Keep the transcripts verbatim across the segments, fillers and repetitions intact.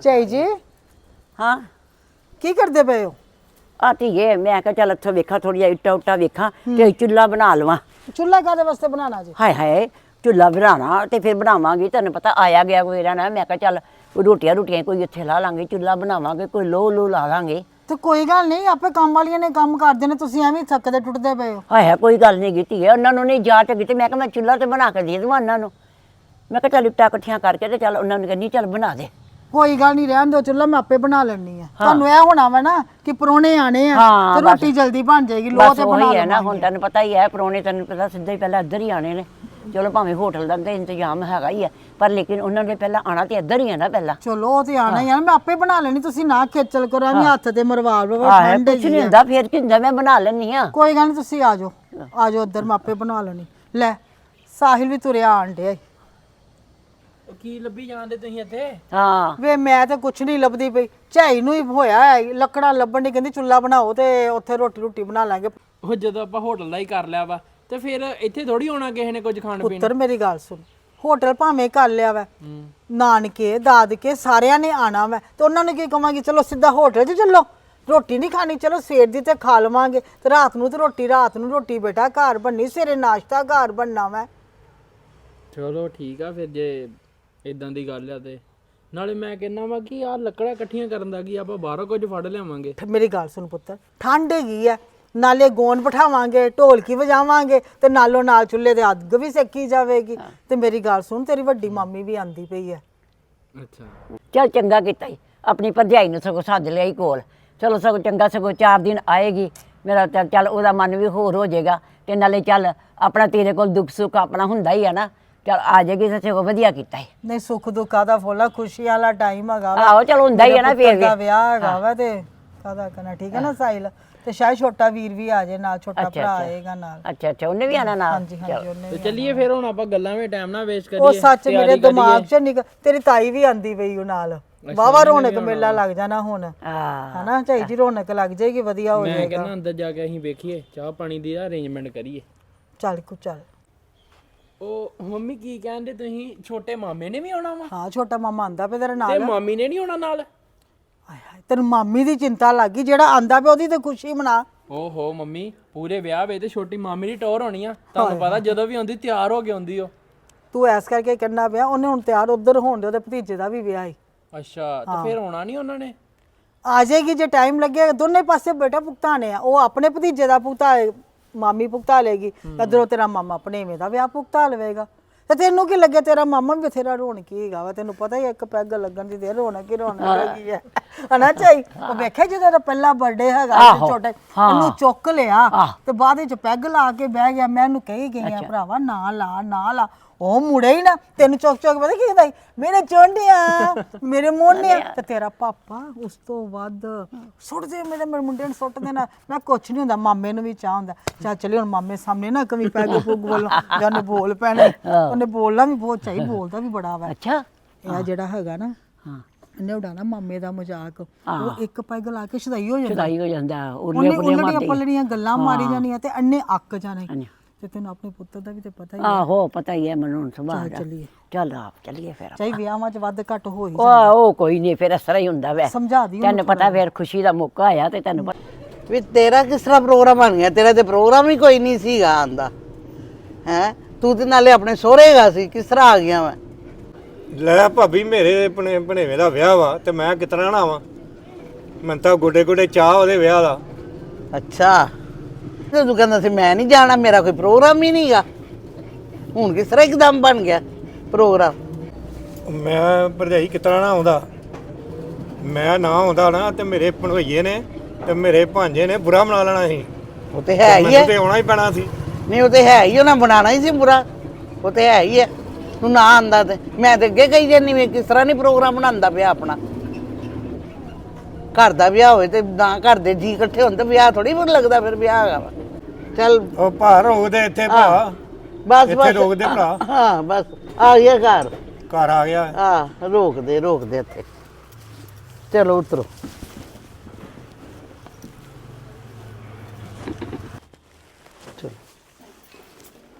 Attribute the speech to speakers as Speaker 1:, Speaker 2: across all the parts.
Speaker 1: ਝਾਈ ਜੀ
Speaker 2: ਹਾਂ
Speaker 1: ਕੀ ਕਰਦੇ ਪਏ ਹੋ?
Speaker 2: ਆ ਧੀਏ ਮੈਂ ਕਿਹਾ ਚੱਲ ਇੱਥੋਂ ਵੇਖਾਂ ਥੋੜ੍ਹੀਆਂ ਇੱਟਾਂ ਉੱਟਾਂ ਵੇਖਾਂ ਤੇ ਚੁੱਲ੍ਹਾ ਬਣਾ ਲਵਾਂ।
Speaker 1: ਚੁੱਲ੍ਹਾ ਕਾਹਦੇ ਵਾਸਤੇ ਬਣਾਉਣਾ ਜੀ?
Speaker 2: ਹਾਏ ਹਾਏ ਚੁੱਲ੍ਹਾ ਬਣਾਉਣਾ ਤੇ ਫਿਰ ਬਣਾਵਾਂਗੀ, ਤੈਨੂੰ ਪਤਾ ਆਇਆ ਗਿਆ ਕੋਈ ਰਹਿਣਾ। ਮੈਂ ਕਿਹਾ ਚੱਲ ਰੋਟੀਆਂ ਰੋਟੀਆਂ ਕੋਈ ਇੱਥੇ ਲਾ ਲਾਂਗੇ, ਚੁੱਲ੍ਹਾ ਬਣਾਵਾਂਗੇ, ਕੋਈ ਲੋਹ ਲੂ ਲਾ ਲਾਂਗੇ।
Speaker 1: ਤੇ ਕੋਈ ਗੱਲ ਨਹੀਂ, ਆਪੇ ਕੰਮ ਵਾਲੀਆਂ ਨੇ ਕੰਮ ਕਰਦੇ ਨੇ, ਤੁਸੀਂ ਐਵੇਂ ਥੱਕਦੇ ਟੁੱਟਦੇ ਪਏ ਹੋ।
Speaker 2: ਹਾਏ ਹਾਏ ਕੋਈ ਗੱਲ ਨਹੀਂ ਕੀਤੀ ਹੈ, ਉਹਨਾਂ ਨੂੰ ਨਹੀਂ ਜਾਚ ਹੈਗੀ ਤੇ ਮੈਂ ਕਿਹਾ ਮੈਂ ਚੁੱਲ੍ਹਾ ਤੇ ਬਣਾ ਕੇ ਦੇ ਦੇਵਾਂ ਉਹਨਾਂ ਨੂੰ। ਮੈਂ ਕਿਹਾ ਚੱਲ ਇੱਟਾਂ ਇਕੱਠੀਆਂ ਕਰਕੇ ਤੇ ਚੱਲ ਉਹਨਾਂ ਨੂੰ ਕਹਿੰਦੀ ਚੱਲ ਬਣਾ ਦੇ।
Speaker 1: ਕੋਈ ਗੱਲ ਨਹੀਂ, ਰਹਿਣ ਦਿਓ, ਚੁੱਲ੍ਹਾ ਮੈਂ ਆਪੇ ਬਣਾ ਲੈਣੀ ਆ। ਤੁਹਾਨੂੰ ਇਹ ਹੋਣਾ ਵਾ ਨਾ ਕਿ ਪਰੋਣੇ ਆਣੇ ਆ
Speaker 2: ਹਾਂ,
Speaker 1: ਤੇ ਰੋਟੀ ਜਲਦੀ ਬਣ ਜਾਏਗੀ, ਲੋਹ ਤੇ ਬਣਾ
Speaker 2: ਹੈ ਨਾ। ਹੁਣ ਤੈਨੂੰ ਪਤਾ ਹੀ ਹੈ ਪਰੋਣੇ, ਤੈਨੂੰ ਪਤਾ ਸਿੱਧਾ ਹੀ ਪਹਿਲਾਂ ਇੱਧਰ ਹੀ ਆਣੇ ਨੇ। ਚਲੋ ਭਾਵੇਂ ਹੋਟਲ ਦਾ ਤਾਂ ਇੰਤਜ਼ਾਮ ਹੈਗਾ ਹੀ ਹੈ, ਪਰ ਲੇਕਿਨ ਉਹਨਾਂ ਨੇ ਪਹਿਲਾਂ ਆਣਾ ਤੇ ਇੱਧਰ ਹੀ ਹੈ ਨਾ ਪਹਿਲਾਂ।
Speaker 1: ਚਲੋ ਉਹ ਤੇ ਆਣਾ ਹੀ ਆ, ਮੈਂ ਆਪੇ ਬਣਾ ਲੈਣੀ, ਤੁਸੀਂ ਨਾ ਖੇਚਲ ਕਰੋ ਐਵੇਂ ਹੱਥ ਤੇ ਮਰਵਾ ਲਓ।
Speaker 2: ਠੰਡ ਕੁਛ ਨਹੀਂ ਹੁੰਦਾ, ਫਿਰ ਕੀ ਹੁੰਦਾ, ਮੈਂ ਬਣਾ ਲੈਣੀ ਆ।
Speaker 1: ਕੋਈ ਗੱਲ ਨਹੀਂ, ਤੁਸੀਂ ਆ ਜਾਓ ਆ ਜਾਓ ਉੱਧਰ, ਮੈਂ ਆਪੇ ਬਣਾ ਲੈਣੀ। ਲੈ ਸਾਹਿਲ ਵੀ ਤੁਰਿਆ ਆਣ ਡਿਆ।
Speaker 3: ਕੀ ਲੱਭੀ ਜਾਂਦੇ ਤੁਸੀਂ ਇੱਥੇ?
Speaker 2: ਹਾਂ
Speaker 1: ਵੇ ਮੈਂ ਤੇ ਕੁਛ ਨਹੀਂ ਲੱਭਦੀ ਪਈ, ਝਾਈ ਨੂੰ ਹੀ ਹੋਇਆ ਹੈ ਲੱਕੜਾਂ ਲੱਭਣ ਦੀ, ਕਹਿੰਦੀ ਚੁੱਲ੍ਹਾ ਬਣਾਓ ਤੇ ਉੱਥੇ ਰੋਟੀ ਰੋਟੀ ਬਣਾ ਲਾਂਗੇ।
Speaker 3: ਉਹ ਜਦੋਂ ਆਪਾਂ ਹੋਟਲ ਦਾ ਹੀ ਕਰ ਲਿਆ ਵਾ ਤੇ ਫਿਰ ਇੱਥੇ ਥੋੜੀ ਆਉਣਾ ਕਿਸੇ ਨੇ ਕੁਝ ਖਾਣ ਪੀਣ।
Speaker 1: ਪੁੱਤਰ ਮੇਰੀ ਗੱਲ ਸੁਣ, ਹੋਟਲ ਭਾਵੇਂ ਕਰ ਲਿਆ ਵਾ, ਨਾਨਕੇ ਦਾਦਕੇ ਸਾਰਿਆਂ ਨੇ ਆਣਾ ਵਾ, ਤੇ ਉਹਨਾਂ ਨੂੰ ਕੀ ਕਵਾਂਗੀ ਚਲੋ ਸਿੱਧਾ ਹੋਟਲ 'ਚ ਚੱਲੋ, ਰੋਟੀ ਨਹੀਂ ਖਾਣੀ, ਚਲੋ ਸਵੇਰ ਦੀ ਤੇ ਖਾ ਲਵਾਂਗੇ, ਤੇ ਰਾਤ ਨੂੰ ਤੇ ਰੋਟੀ ਰਾਤ ਨੂੰ ਰੋਟੀ ਬੇਟਾ ਘਰ ਬਣਨੀ, ਸਵੇਰੇ ਨਾਸ਼ਤਾ ਘਰ ਬਣਨਾ ਵਾ।
Speaker 3: ਚਲੋ ਠੀਕ ਆ ਫਿਰ, ਜੇ ਇਦਾਂ ਦੀ ਗੱਲ ਆ ਤੇ ਨਾਲੇ ਮੈਂ ਕਹਿੰਦਾ ਵਾ ਕਿ ਆਹ ਲੱਕੜਾਂ ਇਕੱਠੀਆਂ ਕਰਨ ਦਾ ਕੀ, ਆਪਾਂ ਬਾਹਰੋਂ ਕੁਝ ਫੜ ਲਿਆਵਾਂਗੇ।
Speaker 1: ਮੇਰੀ ਗੱਲ ਸੁਣ ਪੁੱਤਰ, ਠੰਡ ਹੈਗੀ ਆ, ਨਾਲੇ ਗੋਨ ਬਿਠਾਵਾਂਗੇ, ਢੋਲਕੀ ਵਜਾਵਾਂਗੇ, ਤੇ ਨਾਲੋਂ ਨਾਲ ਚੁੱਲ੍ਹੇ ਦੇ ਅੱਗ ਵੀ ਸੇਕੀ ਜਾਵੇਗੀ। ਤੇ ਮੇਰੀ ਗੱਲ ਸੁਣ, ਤੇਰੀ ਵੱਡੀ ਮਾਮੀ ਵੀ ਆਂਦੀ ਪਈ ਹੈ।
Speaker 3: ਅੱਛਾ
Speaker 2: ਚੱਲ ਚੰਗਾ ਕੀਤਾ ਈ, ਆਪਣੀ ਭਰਜਾਈ ਨੂੰ ਸਗੋਂ ਸੱਦ ਲਿਆ ਹੀ ਕੋਲ। ਚਲੋ ਸਗੋਂ ਚੰਗਾ, ਸਗੋਂ ਚਾਰ ਦਿਨ ਆਏਗੀ ਮੇਰਾ ਤਾਂ ਚੱਲ ਉਹਦਾ ਮਨ ਵੀ ਹੋਰ ਹੋ ਜਾਏਗਾ, ਤੇ ਨਾਲੇ ਚੱਲ ਆਪਣਾ ਤੇਰੇ ਕੋਲ ਦੁੱਖ ਸੁੱਖ ਆਪਣਾ ਹੁੰਦਾ ਹੀ ਆ ਨਾ, ਚੱਲ ਆ ਜਾਏਗੀ ਤਾਂ ਸਗੋਂ ਵਧੀਆ ਕੀਤਾ ਹੈ।
Speaker 1: ਨਹੀਂ ਸੁੱਖ ਦੁੱਖਾਂ ਦਾ ਫੋਲਾ, ਖੁਸ਼ੀ ਵਾਲਾ ਟਾਈਮ ਹੈਗਾ ਵਾ।
Speaker 2: ਆਹੋ ਚਲ ਹੁੰਦਾ ਹੀ ਆ ਨਾ, ਫਿਰ
Speaker 1: ਦਾ ਵਿਆਹ ਹੈਗਾ ਵਾ ਤੇ ਕਾਹਦਾ ਕਰਨਾ। ਠੀਕ ਹੈ ਨਾ ਸਾਹਿਲ, ਤੇ ਸ਼ਾਇਦ ਛੋਟਾ ਵੀਰ ਵੀ ਆ ਜਾਏ ਨਾਲ, ਛੋਟਾ ਭਰਾ ਆਏਗਾ ਨਾਲ।
Speaker 2: ਅੱਛਾ ਅੱਛਾ ਉਹਨੇ ਵੀ ਆਣਾ ਨਾਲ।
Speaker 1: ਹਾਂਜੀ ਹਾਂਜੀ ਉਹਨੇ
Speaker 3: ਤੇ
Speaker 1: ਵੀ।
Speaker 3: ਚੱਲੀਏ ਫਿਰ, ਹੁਣ ਆਪਾਂ ਗੱਲਾਂ ਵਿੱਚ ਟਾਈਮ ਨਾ ਵੇਸਟ ਕਰੀਏ।
Speaker 1: ਉਹ ਸੱਚ ਮੇਰੇ ਦਿਮਾਗ 'ਚ ਨਿਕਲ, ਤੇਰੀ ਤਾਈ ਵੀ ਆਂਦੀ ਪਈ ਉਹ ਨਾਲ, ਵਾਵਾ ਰੌਣਕ ਮੇਲਾ ਲੱਗ ਜਾਣਾ ਹੁਣ।
Speaker 2: ਹਾਂ
Speaker 1: ਹਨਾ ਝਾਈ ਜੀ, ਰੌਣਕ ਲੱਗ ਜਾਏਗੀ, ਵਧੀਆ ਹੋ
Speaker 3: ਮੈਂ
Speaker 1: ਜਾਏਗਾ।
Speaker 3: ਕਹਿੰਦਾ ਅੰਦਰ ਜਾ ਕੇ ਅਸੀਂ ਵੇਖੀਏ, ਚਾਹ ਪਾਣੀ ਦੀ ਅਰੇਂਜਮੈਂਟ ਕਰੀਏ।
Speaker 1: ਚੱਲ ਕੁ ਚੱਲ।
Speaker 3: ਉਹ ਮੰਮੀ ਕੀ ਕਹਿੰਦੇ ਤੁਸੀਂ, ਛੋਟੇ ਮਾਮੇ ਨੇ ਵੀ ਆਉਣਾ ਵਾ?
Speaker 1: ਹਾਂ ਛੋਟਾ ਮਾਮਾ ਆਂਦਾ ਪਿਆ ਤੇਰੇ
Speaker 3: ਤੇ
Speaker 1: ਨਾਲ।
Speaker 3: ਮਾਮੀ ਨੇ ਨਹੀਂ ਆਉਣਾ ਨਾਲ?
Speaker 1: ਹਾਏ ਹਾਏ, ਤੈਨੂੰ ਮਾਮੀ ਦੀ ਚਿੰਤਾ ਲੱਗ ਗਈ, ਜਿਹੜਾ ਆਂਦਾ ਪਿਆ ਉਹਦੀ ਤੇ ਖੁਸ਼ੀ ਮਨਾ।
Speaker 3: ਓਹੋ ਮੰਮੀ, ਪੂਰੇ ਵਿਆਹ ਵੇ ਤੇ ਛੋਟੀ ਮਾਮੀ ਦੀ ਟੌਰ ਹੋਣੀ ਆ, ਤੁਹਾਨੂੰ ਪਤਾ ਜਦੋਂ ਵੀ ਆਉਂਦੀ ਤਿਆਰ ਹੋ ਕੇ ਆਉਂਦੀ ਉਹ।
Speaker 1: ਤੂੰ ਐਸ ਕਰਕੇ ਕਹਿਣਾ ਪਿਆ, ਉਹਨੇ ਹੁਣ ਤਿਆਰ ਉਧਰ ਹੋਣ ਦੇ, ਉਹਦੇ ਭਤੀਜੇ ਦਾ ਵੀ ਵਿਆਹ ਹੈ।
Speaker 3: ਅੱਛਾ, ਤੇ ਫਿਰ ਆਉਣਾ ਨਹੀਂ ਉਹਨਾਂ ਨੇ?
Speaker 1: ਆ ਜਾਏਗੀ ਜੇ ਟਾਈਮ ਲੱਗੇਗਾ, ਦੋਨੇ ਪਾਸੇ ਬੇਟਾ ਭੁਗਤਾਨੇ ਆ, ਉਹ ਆਪਣੇ ਭਤੀਜੇ ਦਾ ਭੁਗਤਾ ਮਾਮੀ ਭੁਗਤਾ ਲੇਗੀ, ਇਧਰੋਂ ਤੇਰਾ ਮਾਮਾ ਭਣੇਵੇਂ ਦਾ ਵਿਆਹ ਭੁਗਤਾ ਲਵੇਗਾ। ਤੇ ਤੈਨੂੰ ਕੀ ਲੱਗੇ, ਤੇਰਾ ਮਾਮਾ ਵੀ ਬਥੇਰਾ ਰੌਣਕੀ ਹੈਗਾ ਵਾ, ਤੈਨੂੰ ਪਤਾ ਹੀ ਇੱਕ ਪੈਗ ਲੱਗਣ ਦੀ ਦੇਰ ਰੌਣਕ ਹੀ ਰੌਣਕ ਹੈਗੀ ਹੈ ਹਨਾ ਝਾਈ। ਉਹ ਵੇਖਿਆ ਜਦੋਂ ਦਾ ਪਹਿਲਾ ਬਰਥਡੇ ਹੈਗਾ ਛੋਟਾ, ਇਹਨੂੰ ਚੁੱਕ ਲਿਆ ਤੇ ਬਾਅਦ ਵਿੱਚ ਪੈਗ ਲਾ ਕੇ ਬਹਿ ਗਿਆ। ਮੈਂ ਇਹਨੂੰ ਕਹੀ ਗਈ ਆ ਭਰਾਵਾ ਨਾ ਲਾ ਨਾ ਲਾ, ਉਹ ਮੁੜੇ ਹੀ ਨਾ, ਤੈਨੂੰ ਚੁੱਕ ਚੁੱਕ ਪਤਾ ਕੀ ਕਹਿੰਦਾ, ਮੇਰੇ ਚੋਂਡਿਆਂ ਮੇਰੇ ਮੋਹਨਿਆਂ। ਤੇ ਤੇਰਾ ਪਾਪਾ ਉਸ ਤੋਂ ਵੱਧ ਸੁੱਟ ਦੇ, ਮੇਰੇ ਮੇਰੇ ਮੁੰਡੇ ਨੂੰ ਸੁੱਟ ਦੇਣਾ। ਮੈਂ ਕੁਛ ਨਹੀਂ ਹੁੰਦਾ, ਮਾਮੇ ਨੂੰ ਵੀ ਚਾਹ ਹੁੰਦਾ, ਚੱਲ ਚੱਲੀ ਹੁਣ ਮਾਮੇ ਸਾਹਮਣੇ ਨਾ ਕਵੀ ਪੈਗ ਪੁੱਗ ਵੱਲੋਂ ਜਾਂ ਉਹਨੇ ਬੋਲ ਪੈਣਾ, ਉਹਨੇ ਬੋਲਣਾ ਵੀ ਬਹੁਤ ਚਾਹੀ, ਬੋਲਦਾ ਵੀ ਬੜਾ ਵਾ।
Speaker 2: ਅੱਛਾ
Speaker 1: ਇਹ ਜਿਹੜਾ ਹੈਗਾ ਨਾ,
Speaker 2: ਹਾਂ
Speaker 1: ਇਹਨੇ ਉਡਾਣਾ ਮਾਮੇ ਦਾ ਮਜ਼ਾਕ, ਉਹ ਇੱਕ ਪੈਗ ਲਾ ਕੇ ਸ਼ਦਾਈ ਹੋ ਜਾਂਦਾ,
Speaker 2: ਸ਼ਦਾਈ ਹੋ ਜਾਂਦਾ,
Speaker 1: ਉਹਨੇ ਉਲਟੀਆਂ ਪੱਲੜੀਆਂ ਗੱਲਾਂ ਮਾਰੀ ਜਾਣੀਆਂ ਤੇ ਅੰਨੇ ਅੱਕ ਜਾਣੇ। ਤੇ ਤੈਨੂੰ ਆਪਣੇ ਪੁੱਤਰ ਦਾ ਵੀ ਤੇ ਪਤਾ ਹੀ ਹੈ।
Speaker 2: ਆਹੋ ਪਤਾ ਹੀ ਹੈ ਮੈਨੂੰ ਹੁਣ ਸੁਭਾਅ ਦਾ।
Speaker 1: ਚੱਲੀਏ
Speaker 2: ਚੱਲ ਆਪ ਚੱਲੀਏ ਫਿਰ।
Speaker 1: ਚਾਹੀ ਵਿਆਹਾਂ 'ਚ ਵੱਧ ਘੱਟ ਹੋ ਹੀ
Speaker 2: ਉਹ ਉਹ ਕੋਈ ਨਹੀਂ, ਫਿਰ ਇਸ ਤਰ੍ਹਾਂ ਹੀ ਹੁੰਦਾ ਵੈ,
Speaker 1: ਸਮਝਾ ਦੀ
Speaker 2: ਤੈਨੂੰ ਪਤਾ ਫਿਰ ਖੁਸ਼ੀ ਦਾ ਮੌਕਾ ਆਇਆ ਤੇ ਤੈਨੂੰ ਪਤਾ
Speaker 4: ਵੀ ਤੇਰਾ ਕਿਸ ਤਰ੍ਹਾਂ ਪ੍ਰੋਗਰਾਮ ਬਣ ਗਿਆ? ਤੇਰਾ ਤੇ ਪ੍ਰੋਗਰਾਮ ਹੀ ਕੋਈ ਨਹੀਂ ਸੀਗਾ ਆਂਦਾ ਹੈ, ਤੂੰ ਤੇ ਨਾਲੇ ਆਪਣੇ ਸਹੁਰੇਗਾ ਸੀ, ਕਿਸ ਤਰ੍ਹਾਂ ਆ ਗਿਆ ਮੈਂ?
Speaker 5: ਲੈ ਭਾਬੀ, ਮੇਰੇ ਭਣੇ ਭਣੇਵੇਂ ਦਾ ਵਿਆਹ ਵਾ ਤੇ ਮੈਂ ਕਿਤਨਾ ਨਾ ਆਵਾਂ? ਮੈਂ ਤਾਂ ਗੋਡੇ ਗੋਡੇ ਚਾਹ ਉਹਦੇ ਵਿਆਹ ਦਾ।
Speaker 4: ਅੱਛਾ, ਤੇ ਤੂੰ ਕਹਿੰਦਾ ਸੀ ਮੈਂ ਨਹੀਂ ਜਾਣਾ, ਮੇਰਾ ਕੋਈ ਪ੍ਰੋਗਰਾਮ ਹੀ ਨਹੀਂਗਾ, ਹੁਣ ਕਿਸ ਤਰ੍ਹਾਂ ਇੱਕਦਮ ਬਣ ਗਿਆ ਪ੍ਰੋਗਰਾਮ?
Speaker 5: ਮੈਂ ਭਰਜਾਈ ਕਿਤਨਾ ਨਾ ਆਉਂਦਾ, ਮੈਂ ਨਾ ਆਉਂਦਾ ਨਾ ਤੇ ਮੇਰੇ ਭਣੋਈਏ ਨੇ ਤੇ ਮੇਰੇ ਭਾਂਜੇ ਨੇ ਬੁਰਾ ਮਨਾ ਲੈਣਾ ਸੀ।
Speaker 4: ਉਹ ਤੇ ਹੈ ਹੀ
Speaker 5: ਮੈਨੂੰ
Speaker 4: ਹੈ,
Speaker 5: ਤੇ ਆਉਣਾ ਹੀ ਪੈਣਾ ਸੀ।
Speaker 4: ਨਹੀਂ ਉਹ ਤੇ ਹੈ ਹੀ, ਉਹਨਾਂ ਬਣਾਉਣਾ ਹੀ ਸੀ ਬੁਰਾ, ਉਹ ਤੇ ਹੈ ਹੀ ਹੈ। ਤੂੰ ਨਾ ਆਂਦਾ ਤੇ ਮੈਂ ਤੇ ਅੱਗੇ ਕਹੀ ਜਾਂਦੀ ਵੀ ਕਿਸ ਤਰ੍ਹਾਂ ਨਹੀਂ ਪ੍ਰੋਗਰਾਮ ਬਣਾਉਂਦਾ ਪਿਆ ਆਪਣਾ। ਘਰ ਦਾ ਵਿਆਹ ਹੋਵੇ ਤੇ ਨਾ ਘਰ ਦੇ ਜੀ ਇਕੱਠੇ ਹੋਣ ਤੇ ਵਿਆਹ ਥੋੜੀ ਬੁਰਾ ਲੱਗਦਾ, ਫਿਰ ਵਿਆਹ ਹੈਗਾ ਵਾ। ਚੱਲ
Speaker 5: ਉਹ ਭਾ ਰੋਕਦੇ ਇੱਥੇ ਭਾ,
Speaker 4: ਬਸ
Speaker 5: ਇੱਥੇ
Speaker 4: ਬਸ
Speaker 5: ਰੋਕਦੇ ਭਰਾ।
Speaker 4: ਹਾਂ ਬਸ ਆ ਗਿਆ ਘਰ,
Speaker 5: ਘਰ ਆ ਗਿਆ।
Speaker 4: ਹਾਂ ਰੋਕਦੇ ਰੋਕਦੇ ਇੱਥੇ। ਚਲੋ ਉਤਰੋ। ਚਲੋ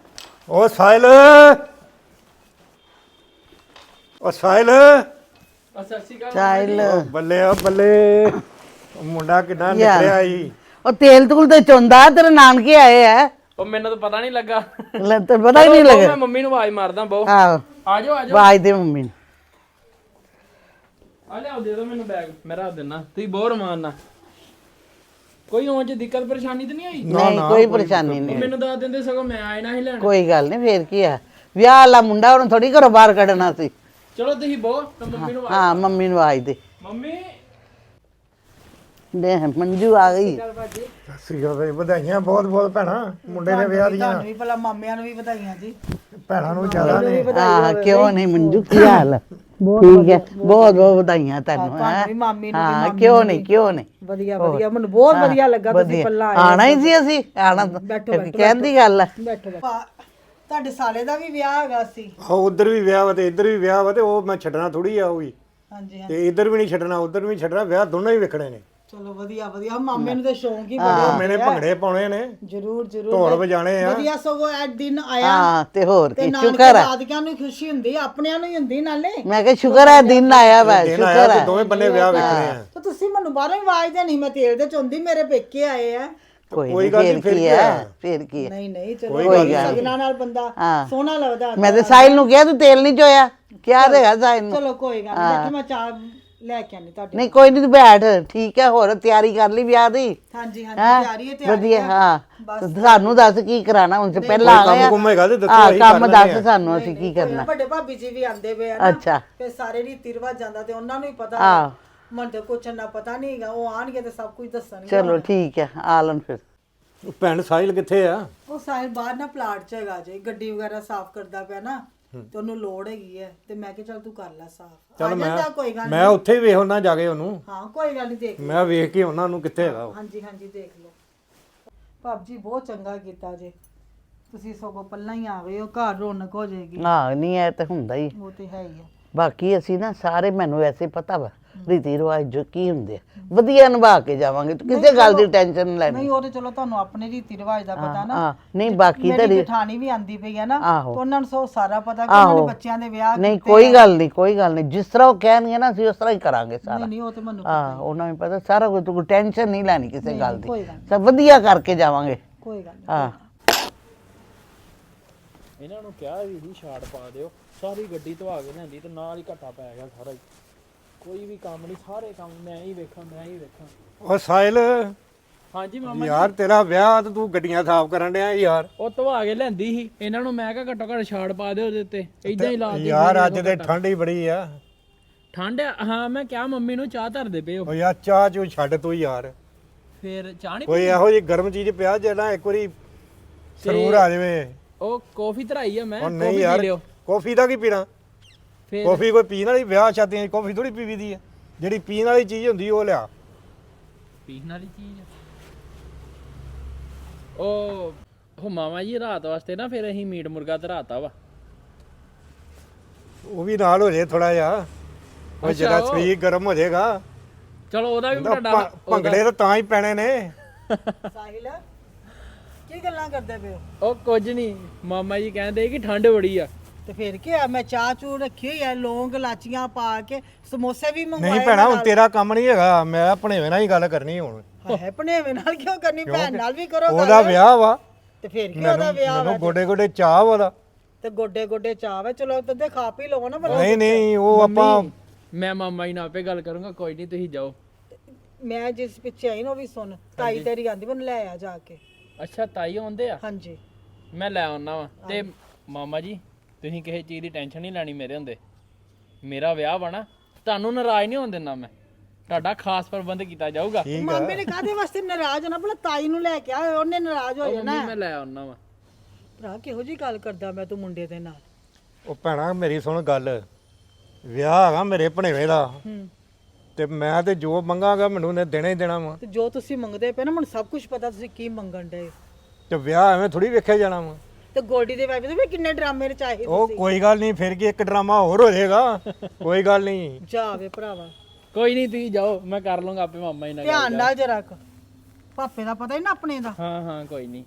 Speaker 5: ਉਹ ਸਾਹਿਲ, ਉਹ ਸਾਹਿਲ,
Speaker 3: ਸਤਿ ਸ਼੍ਰੀ ਅਕਾਲ
Speaker 4: ਚਾਈਲ
Speaker 5: ਬੱਲੇ ਆ ਬੱਲੇ ਉਹ ਮੁੰਡਾ ਕਿੰਨਾ ਨਿਕਲਿਆ ਈ
Speaker 4: ਉਹ ਤੇਲ ਤੂਲ ਤੇ ਚੁੰਦਾ ਤੇਰੇ ਨਾਨਕੇ ਆਏ ਆ
Speaker 3: ਉਹ ਮੈਨੂੰ ਤਾਂ ਪਤਾ ਨਹੀਂ ਲੱਗਾ
Speaker 4: ਲੈ ਤੇ ਪਤਾ ਹੀ ਨਹੀਂ
Speaker 3: ਮੈਂ
Speaker 4: ਲੱਗਾ
Speaker 3: ਮੰਮੀ ਨੂੰ ਆਵਾਜ਼ ਮਾਰਦਾ ਬਹੁ
Speaker 4: ਆਹੋ
Speaker 3: ਆ ਜਾਓ ਆ ਜਾਓ
Speaker 4: ਆਵਾਜ਼ ਦੇ ਮੰਮੀ ਨੂੰ
Speaker 3: ਆ ਲਿਆਓ ਦੇ ਦਿਓ ਮੈਨੂੰ ਬੈਗ ਮੈਂ ਰੱਖ ਦਿੰਦਾ ਤੁਸੀਂ ਬਹੁਤ ਰਮਾਨ ਨਾਲ ਕੋਈ ਹੋਂ ਚ ਦਿੱਕਤ ਪਰੇਸ਼ਾਨੀ ਤਾਂ ਨਹੀਂ ਆਈ
Speaker 4: ਨਹੀਂ ਕੋਈ ਪਰੇਸ਼ਾਨੀ ਨਹੀਂ
Speaker 3: ਮੈਨੂੰ ਦੱਸ ਦਿੰਦੇ ਸਗੋਂ ਮੈਂ ਆਏ ਨਾ ਹੀ ਲੈਣ
Speaker 4: ਕੋਈ ਗੱਲ ਨਹੀਂ ਫੇਰ ਕੀ ਆ ਵਿਆਹ ਵਾਲਾ ਮੁੰਡਾ ਉਹਨੂੰ ਥੋੜੀ ਘਰੋਂ ਬਾਹਰ ਕੱਢਣਾ ਸੀ
Speaker 3: ਚਲੋ ਤੁਸੀਂ ਬਹੁਤ ਤਾਂ ਮੰਮੀ ਨੂੰ
Speaker 4: ਹਾਂ ਮੰਮੀ ਨੂੰ ਆਵਾਜ਼ ਦੇ
Speaker 3: ਮੰਮੀ
Speaker 4: ਦੇ ਮੰਜੂ ਆ ਗਈ
Speaker 5: ਸਤਿ ਸ਼੍ਰੀ ਅਕਾਲ ਬਈ ਵਧਾਈਆਂ ਬਹੁਤ ਬਹੁਤ ਭੈਣਾ ਮੁੰਡੇ ਦੇ ਵਿਆਹ ਦੀਆਂ
Speaker 1: ਤੁਹਾਨੂੰ ਵੀ ਭਲਾ ਮਾਮਿਆਂ ਨੂੰ ਵੀ ਵਧਾਈਆਂ ਜੀ
Speaker 5: ਭੈਣਾਂ ਨੂੰ ਜ਼ਿਆਦਾ ਨੇ
Speaker 4: ਹਾਂ ਕਿਉਂ ਨਹੀਂ ਮੰਜੂ ਕੀ ਹਾਲ ਠੀਕ ਹੈ ਬਹੁਤ ਬਹੁਤ ਵਧਾਈਆਂ ਤੈਨੂੰ
Speaker 1: ਤੁਹਾਨੂੰ ਵੀ ਮਾਮੀ ਨੂੰ ਵੀ
Speaker 4: ਹਾਂ ਕਿਉਂ ਨਹੀਂ ਕਿਉਂ ਨਹੀਂ
Speaker 1: ਵਧੀਆ ਵਧੀਆ ਮੈਨੂੰ ਬਹੁਤ ਵਧੀਆ ਲੱਗਾ ਤੁਸੀਂ ਪੱਲਾ ਆਏ
Speaker 4: ਆਣਾ ਹੀ ਸੀ ਅਸੀਂ ਆਣਾ ਕਹਿੰਦੀ ਗੱਲ ਹੈ
Speaker 1: ਬੈਠੋ ਬੈਠੋ ਤੁਹਾਡੇ ਸਾਲੇ ਦਾ ਵੀ ਵਿਆਹ ਹੈਗਾ ਸੀ
Speaker 5: ਆ ਉਧਰ ਵੀ ਵਿਆਹ ਵਾ ਤੇ ਇੱਧਰ ਵੀ ਵਿਆਹ ਵਾ ਤੇ ਉਹ ਮੈਂ ਛੱਡਣਾ ਥੋੜੀ ਆ ਉਹ ਵੀ
Speaker 1: ਹਾਂਜੀ ਹਾਂ
Speaker 5: ਤੇ ਇੱਧਰ ਵੀ ਨਹੀਂ ਛੱਡਣਾ ਉਧਰ ਵੀ ਨਹੀਂ ਛੱਡਣਾ ਵਿਆਹ ਦੋਨੋਂ ਹੀ ਵੇਖਣੇ ਨੇ
Speaker 1: ਚਲੋ ਵਧੀਆ ਵਧੀਆ ਮਾਮੇ ਨੂੰ ਤੇ ਸ਼ੌਂਕ ਹੀ ਬੜਾ
Speaker 5: ਮੈਨੇ ਭੰਗੜੇ ਪਾਉਣੇ ਨੇ
Speaker 1: ਜਰੂਰ ਜਰੂਰ
Speaker 5: ਢੋਲ ਵਜਾਣੇ ਆ
Speaker 1: ਵਧੀਆ ਸਗੋਂ ਐ ਦਿਨ ਆਇਆ
Speaker 4: ਹਾਂ ਤੇ ਹੋਰ
Speaker 1: ਤੇ
Speaker 4: ਕੀ
Speaker 1: ਨਾਨਕੇ
Speaker 4: ਸ਼ੁਕਰ ਹੈ
Speaker 1: ਦਾਦਕਿਆਂ ਨੂੰ ਖੁਸ਼ੀ ਹੁੰਦੀ ਆਪਣਿਆਂ ਨੂੰ ਹੀ ਹੁੰਦੀ ਨਾਲੇ
Speaker 4: ਮੈਂ ਕਿਹਾ ਸ਼ੁਕਰ ਹੈ ਦਿਨ ਆਇਆ ਵਾ
Speaker 5: ਦਿਨ
Speaker 4: ਸ਼ੁਕਰ
Speaker 5: ਆਇਆ ਤੇ
Speaker 4: ਹੈ
Speaker 5: ਦੋਵੇਂ ਬੰਨੇ ਵਿਆਹ ਵੇਖਣੇ ਆ
Speaker 1: ਤੇ ਤੁਸੀਂ ਮੈਨੂੰ ਬਾਹਰੋਂ ਹੀ ਆਵਾਜ਼ ਦੇਣੀ ਮੈਂ ਤੇਲ ਦੇ ਚੁੰਦੀ ਮੇਰੇ ਪੇਕੇ ਆਏ ਆ
Speaker 4: ਕੋਈ ਗੱਲ ਫੇਰ ਕੀ ਹੈ ਫੇਰ ਕੀ ਹੈ
Speaker 1: ਨਹੀਂ ਨਹੀਂ ਚਲੋ ਸਗਨਾਂ ਨਾਲ ਬੰਦਾ ਸੋਹਣਾ ਲੱਗਦਾ
Speaker 4: ਮੈਂ ਤੇ ਸਾਹਿਲ ਨੂੰ ਕਿਹਾ ਤੂੰ ਤੇਲ ਨਹੀਂ ਚੋਇਆ ਕਿਹਾ ਦੇਗਾ ਸਾਹਿਲ ਨੂੰ
Speaker 1: ਚਲੋ ਕੋਈ ਗੱਲ ਨਹੀਂ ਬੈਠੋ ਮੈਂ ਚਾਹ ਲੈ ਕੇ ਆਨੀ ਤੁਹਾਡੇ
Speaker 4: ਨਹੀਂ ਕੋਈ ਨਹੀਂ ਤੂੰ ਬੈਠ ਠੀਕ ਹੈ ਹੋਰ ਤਿਆਰੀ ਕਰ ਲਈ ਵਿਆਹ ਦੀ
Speaker 1: ਹਾਂਜੀ ਹਾਂਜੀ ਤਿਆਰੀ ਹੈ ਤਿਆਰੀ
Speaker 4: ਵਧੀਆ ਹਾਂ ਸਾਨੂੰ ਦੱਸ ਕੀ ਕਰਾਣਾ ਹੁਣ ਸੇ ਪਹਿਲਾਂ ਆ
Speaker 5: ਕੰਮ ਕੁੰਮ ਹੈਗਾ ਤੇ ਦੱਸੋ
Speaker 4: ਹਾਂ
Speaker 5: ਅਸੀਂ
Speaker 4: ਕੰਮ
Speaker 5: ਕਰ
Speaker 4: ਦੱਸ ਸਾਨੂੰ ਅਸੀਂ ਕੀ ਕਰਨਾ
Speaker 1: ਵੱਡੇ ਭਾਬੀ ਜੀ ਵੀ ਆਂਦੇ ਪਏ ਆ ਨਾ
Speaker 4: ਅੱਛਾ
Speaker 1: ਫਿਰ ਸਾਰੇ ਰੀਤੀ ਰਿਵਾਜ ਜਾਂਦਾ ਤੇ ਉਹਨਾਂ ਨੂੰ ਹੀ ਪਤਾ
Speaker 4: ਹਾਂ
Speaker 1: ਮਨ ਤੇ ਕੁਛ ਨਾ ਪਤਾ ਨਹੀਂ ਹੈਗਾ ਉਹ ਆਣਗੇ ਤੇ ਸਭ ਕੁਝ ਦੱਸਣਗੇ
Speaker 4: ਚਲੋ ਠੀਕ ਹੈ ਆ ਲੈਣ ਫਿਰ
Speaker 5: ਭੈਣ ਸਾਹਿਲ ਕਿੱਥੇ ਆ
Speaker 1: ਉਹ ਸਾਹਿਲ ਬਾਹਰ ਨਾ ਪਲਾਟ 'ਚ ਹੈਗਾ ਜੇ ਗੱਡੀ ਵਗੈਰਾ ਸਾਫ਼ ਕਰਦਾ ਪਿਆ ਨਾ ਤੇ ਉਹਨੂੰ ਲੋੜ ਹੈਗੀ ਹੈ ਤੇ ਮੈਂ ਕਿਹਾ ਚੱਲ ਤੂੰ ਕਰ ਲੈ ਸਾਫ਼ ਆ ਜਾਂਦਾ ਕੋਈ ਗੱਲ
Speaker 5: ਮੈਂ ਉੱਥੇ ਹੀ ਵੇਖ ਉਹਨਾਂ ਜਾ ਕੇ ਉਹਨੂੰ
Speaker 1: ਹਾਂ ਕੋਈ ਗੱਲ ਨਹੀਂ ਦੇਖ ਲਓ।
Speaker 5: ਮੈਂ ਵੇਖ ਕੇ ਉਹਨਾਂ ਨੂੰ ਕਿੱਥੇ ਹੈਗਾ ਉਹ
Speaker 1: ਹਾਂਜੀ ਹਾਂਜੀ ਦੇਖ ਲਓ ਭਾਬ ਜੀ ਬਹੁਤ ਚੰਗਾ ਕੀਤਾ ਜੇ ਤੁਸੀਂ ਸਗੋਂ ਪੱਲਾ ਹੀ ਆ ਗਏ ਹੋ ਘਰ ਰੌਣਕ ਹੋ ਜਾਏਗੀ
Speaker 4: ਹਾਂ ਨਹੀਂ ਇਹ ਤਾਂ ਹੁੰਦਾ ਹੀ
Speaker 1: ਉਹ ਤੇ ਹੈ ਹੀ ਹੈ
Speaker 4: ਬਾਕੀ ਅਸੀਂ ਨਾ ਸਾਰੇ ਮੈਨੂੰ ਵੈਸੇ ਪਤਾ ਵਾ ਰੀਤੀ ਰਿਵਾਜ ਜੋ ਕੀ ਹੁੰਦੇ ਆ ਵਧੀਆ ਨਿਭਾ ਕੇ ਜਾਵਾਂਗੇ ਤੂੰ ਕਿਸੇ ਗੱਲ ਦੀ ਟੈਨਸ਼ਨ ਨਹੀਂ ਲੈਣੀ
Speaker 1: ਨਹੀਂ ਉਹ ਤੇ ਚਲੋ ਤੁਹਾਨੂੰ ਆਪਣੇ ਰੀਤੀ ਰਿਵਾਜ ਦਾ ਪਤਾ ਨਾ
Speaker 4: ਹਾਂ ਨਹੀਂ ਬਾਕੀ ਤਾਂ
Speaker 1: ਮੇਰੀ ਜਠਾਣੀ ਵੀ ਆਂਦੀ ਪਈ ਹੈ ਨਾ
Speaker 4: ਆਹੋ।
Speaker 1: ਤੇ ਉਹਨਾਂ ਨੂੰ ਸੋ ਸਾਰਾ ਪਤਾ ਕਿ ਉਹਨਾਂ ਨੇ ਬੱਚਿਆਂ ਦੇ ਵਿਆਹ
Speaker 4: ਨਹੀਂ ਕੋਈ ਗੱਲ ਨਹੀਂ ਕੋਈ ਗੱਲ ਨਹੀਂ ਜਿਸ ਤਰ੍ਹਾਂ ਉਹ ਕਹਿਣਗੇ ਨਾ ਅਸੀਂ ਉਸ ਤਰ੍ਹਾਂ ਹੀ ਕਰਾਂਗੇ ਸਾਰਾ
Speaker 1: ਨਹੀਂ ਨਹੀਂ ਉਹ ਤੇ ਮੈਨੂੰ
Speaker 4: ਹਾਂ ਉਹਨਾਂ ਨੂੰ ਪਤਾ ਸਾਰਾ ਕੁਝ ਤੂੰ ਟੈਨਸ਼ਨ ਨਹੀਂ ਲੈਣੀ ਕਿਸੇ ਗੱਲ ਦੀ
Speaker 1: ਕੋਈ ਗੱਲ
Speaker 4: ਸਭ ਵਧੀਆ ਕਰਕੇ ਜਾਵਾਂਗੇ
Speaker 1: ਕੋਈ ਗੱਲ ਨਹੀਂ
Speaker 4: ਹਾਂ
Speaker 3: ਇਹਨਾਂ ਨੂੰ ਕਿਹਾ ਵੀ ਸੀ ਛਾੜ ਪਾ ਦਿਓ ਸਾਰੀ ਗੱਡੀ ਧਵਾ ਕੇ ਲਿਆਂਦੀ ਤੇ ਨਾਲ ਹੀ ਘੱਟਾ ਪੈ ਗਿਆ ਸਾਰਾ ਹੀ ਕੋਈ ਵੀ ਕੰਮ ਨਹੀਂ ਸਾਰੇ ਕੰਮ ਮੈਂ ਹੀ ਵੇਖਾਂ ਮੈਂ ਹੀ ਵੇਖਾਂ
Speaker 5: ਉਹ ਸਾਹਿਲ
Speaker 3: ਹਾਂਜੀ ਮਾਮਾ
Speaker 5: ਯਾਰ ਤੇਰਾ ਵਿਆਹ ਤੇ ਤੂੰ ਗੱਡੀਆਂ ਸਾਫ਼ ਕਰਨ ਡਿਆ ਯਾਰ
Speaker 3: ਉਹ ਧਵਾ ਕੇ ਲਿਆਂਦੀ ਸੀ ਇਹਨਾਂ ਨੂੰ ਮੈਂ ਕਿਹਾ ਘੱਟੋ ਘੱਟ ਛਾੜ ਪਾ ਦਿਓ ਉਹਦੇ ਉੱਤੇ ਇਦਾਂ ਹੀ ਲਾ ਦਿਓ
Speaker 5: ਯਾਰ ਅੱਜ ਤੇ ਠੰਡ ਹੀ ਬੜੀ ਆ
Speaker 3: ਠੰਡ ਆ, ਹਾਂ ਮੈਂ ਕਿਹਾ ਮੰਮੀ ਨੂੰ ਚਾਹ ਧਰਦੇ ਪਏ ਹੋ
Speaker 5: ਉਹ ਯਾਰ ਚਾਹ ਚੂ ਛੱਡ ਤੂੰ ਯਾਰ
Speaker 3: ਫਿਰ ਚਾਹ ਨਹੀਂ
Speaker 5: ਕੋਈ ਇਹੋ ਜਿਹੀ ਗਰਮ ਚੀਜ਼ ਪਿਆ ਜਿਹੜਾ ਇੱਕ ਵਾਰੀ ਸਰੂਰ ਆ ਜਾਵੇ
Speaker 3: ਉਹ ਕਾਫੀ ਧਰਾਈ ਆ ਮੈਂ
Speaker 5: ਉਹ
Speaker 3: ਕਾਫੀ
Speaker 5: ਨਹੀਂ
Speaker 3: ਪੀ
Speaker 5: ਯਾਰ
Speaker 3: ਲਿਓ
Speaker 5: ਕਾਫੀ ਦਾ ਕੀ ਪੀਣਾ
Speaker 3: ਫਿਰ
Speaker 5: ਕਾਫੀ ਕੋਈ ਪੀਣ ਵਾਲੀ ਵਿਆਹ ਸ਼ਾਦੀਆਂ 'ਚ ਕਾਫੀ ਥੋੜੀ ਪੀਵੀ ਦੀ ਆ ਜਿਹੜੀ ਪੀਣ ਵਾਲੀ ਚੀਜ਼ ਹੁੰਦੀ ਉਹ ਲਿਆ
Speaker 3: ਪੀਣ ਵਾਲੀ ਚੀਜ਼ ਆ। ਉਹ ਉਹ ਮਾਮਾ ਜੀ ਰਾਤ ਵਾਸਤੇ ਨਾ ਫਿਰ ਅਸੀਂ ਮੀਟ ਮੁਰਗਾ ਧਰਾਤਾ ਵਾ
Speaker 5: ਉਹ ਵੀ ਨਾਲ ਹੋ ਜੇ ਥੋੜਾ ਜਿਹਾ ਉਹ ਜਿਹੜਾ ਸਰੀਰ ਗਰਮ ਹੋ ਜਾਏਗਾ
Speaker 3: ਚਲੋ ਉਹਦਾ ਵੀ
Speaker 5: ਤਾਂ
Speaker 3: ਤੁਹਾਡਾ
Speaker 5: ਭੰ- ਭੰਗੜੇ ਤਾਂ ਤਾਂ ਹੀ ਪੈਣੇ ਨੇ
Speaker 1: ਸਾਹਿਲ ਕੀ ਗੱਲਾਂ ਕਰਦੇ ਪਏ ਹੋ
Speaker 3: ਉਹ ਕੁਝ ਨਹੀਂ ਮਾਮਾ ਜੀ ਕਹਿੰਦੇ ਕਿ ਠੰਡ ਬੜੀ ਆ
Speaker 1: ਤੇ ਫਿਰ ਕੀ ਆ ਮੈਂ ਚਾਹ ਚੂ ਰੱਖੀ ਹੋਈ ਆ ਲੌਂਗ ਲਾਚੀਆਂ ਪਾ ਕੇ ਸਮੋਸੇ ਵੀ ਮੰਗਵਾਏ
Speaker 5: ਨਹੀਂ ਭੈਣਾ ਹੁਣ ਤੇਰਾ ਕੰਮ ਨਹੀਂ ਹੈਗਾ ਮੈਂ ਆਪਣੇ ਨਾਲ ਹੀ ਗੱਲ ਕਰਨੀ ਹੁਣ
Speaker 1: ਹੈ ਭਣੇਵੇਂ ਨਾਲ ਕਿਉਂ ਕਰਨੀ ਭੈਣ ਨਾਲ ਵੀ ਕਰੋ
Speaker 5: ਉਹਦਾ ਵਿਆਹ ਵਾ
Speaker 1: ਤੇ ਫਿਰ ਕੀ ਉਹਦਾ ਵਿਆਹ
Speaker 5: ਮੈਨੂੰ ਗੋਡੇ ਗੋਡੇ ਚਾਹ ਵਾਲਾ
Speaker 1: ਤੇ ਗੋਡੇ ਗੋਡੇ ਚਾਹ ਵੇ ਚਲੋ ਤੇ ਖਾ ਪੀ ਲਓ ਨਾ ਭਲਾ।
Speaker 5: ਨਹੀਂ ਨਹੀਂ ਉਹ ਆਪਾਂ
Speaker 3: ਮੈਂ ਮਾਮਾ ਜੀ ਨਾਲ ਆਪੇ ਗੱਲ ਕਰੂੰਗਾ ਕੋਈ ਨਹੀਂ ਤੁਸੀਂ ਜਾਓ
Speaker 1: ਮੈਂ ਜਿਸ ਪਿੱਛੇ ਆਈ ਨਾ ਉਹ ਵੀ ਸੁਣ ਤਾਈ ਤੇਰੀ ਆਂਦੀ ਮੈਨੂੰ ਲੈ ਆ ਜਾ ਕੇ
Speaker 3: ਅੱਛਾ ਤਾਈ ਆਉਂਦੇ ਆ
Speaker 1: ਹਾਂਜੀ
Speaker 3: ਮੈਂ ਲੈ ਆਉਣਾ ਵਾ ਤੇ ਮਾਮਾ ਜੀ ਤੁਸੀਂ ਕਿਸੇ ਚੀਜ਼ ਦੀ ਟੈਨਸ਼ਨ ਨਹੀਂ ਲੈਣੀ ਮੇਰੇ ਹੁੰਦੇ ਮੇਰਾ ਵਿਆਹ ਵਾ ਨਾ ਤੁਹਾਨੂੰ ਨਾਰਾਜ਼ ਨਹੀਂ ਹੋਣ ਦਿੰਦਾ ਮੈਂ ਤੁਹਾਡਾ ਖਾਸ ਪ੍ਰਬੰਧ ਕੀਤਾ ਜਾਊਗਾ
Speaker 1: ਮਾਮੇ ਨੇ ਕਾਹਦੇ ਵਾਸਤੇ ਨਾਰਾਜ਼ ਹੋਣਾ ਭਲਾ ਤਾਈ ਨੂੰ ਲੈ ਕੇ ਆ ਉਹਨੇ ਨਾਰਾਜ਼ ਹੋ ਜਾਣਾ
Speaker 3: ਮੈਂ ਲੈ ਆਉਣਾ ਵਾ
Speaker 1: ਭਰਾ ਕਿਹੋ ਜੀ ਗੱਲ ਕਰਦਾ ਮੈਂ ਤੂੰ ਮੁੰਡੇ ਦੇ ਨਾਲ
Speaker 5: ਉਹ ਭੈਣਾ ਮੇਰੀ ਸੁਣ ਗੱਲ ਵਿਆਹ ਹੈਗਾ ਮੇਰੇ ਭਣੇਵੇਂ ਦਾ
Speaker 1: ਹੂੰ
Speaker 5: ਤੇ ਮੈਂ ਤੇ ਜੋ ਮੰਗਾਂਗਾ ਮੈਨੂੰ ਨੇ ਦੇਣਾ ਹੀ ਦੇਣਾ ਵਾ
Speaker 1: ਤੇ ਜੋ ਤੁਸੀਂ ਮੰਗਦੇ ਪਏ ਨਾ ਮੈਨੂੰ ਸਭ ਕੁਝ ਪਤਾ ਤੁਸੀਂ ਕੀ ਮੰਗਣ ਡਏ
Speaker 5: ਤੇ ਵਿਆਹ ਐਵੇਂ ਥੋੜੀ ਵੇਖਿਆ ਜਾਣਾ ਵਾ
Speaker 1: ਤੇ ਗੋਲਡੀ ਦੇ ਵਾਈਫ ਦੇ ਵੀ ਕਿੰਨੇ ਡਰਾਮੇ ਰਚਾਏ
Speaker 5: ਉਹ ਕੋਈ ਗੱਲ ਨਹੀਂ ਫਿਰ ਕੀ ਇੱਕ ਡਰਾਮਾ ਹੋਰ ਹੋ ਜਾਏਗਾ ਕੋਈ ਗੱਲ ਨਹੀਂ
Speaker 1: ਜਾਵੇ ਭਰਾਵਾ
Speaker 3: ਕੋਈ ਨਹੀਂ ਤੁਸੀਂ ਜਾਓ ਮੈਂ ਕਰ ਲਵਾਂਗਾ ਆਪੇ ਮਾਮਾ ਜੀ ਨਾਲ ਗੱਲ।
Speaker 1: ਧਿਆਨ ਨਾਲ ਜਰਾ ਕ ਪਾਪੇ ਦਾ ਪਤਾ ਹੀ ਨਾ ਆਪਣੇ ਦਾ
Speaker 3: ਹਾਂ ਹਾਂ ਕੋਈ ਨਹੀਂ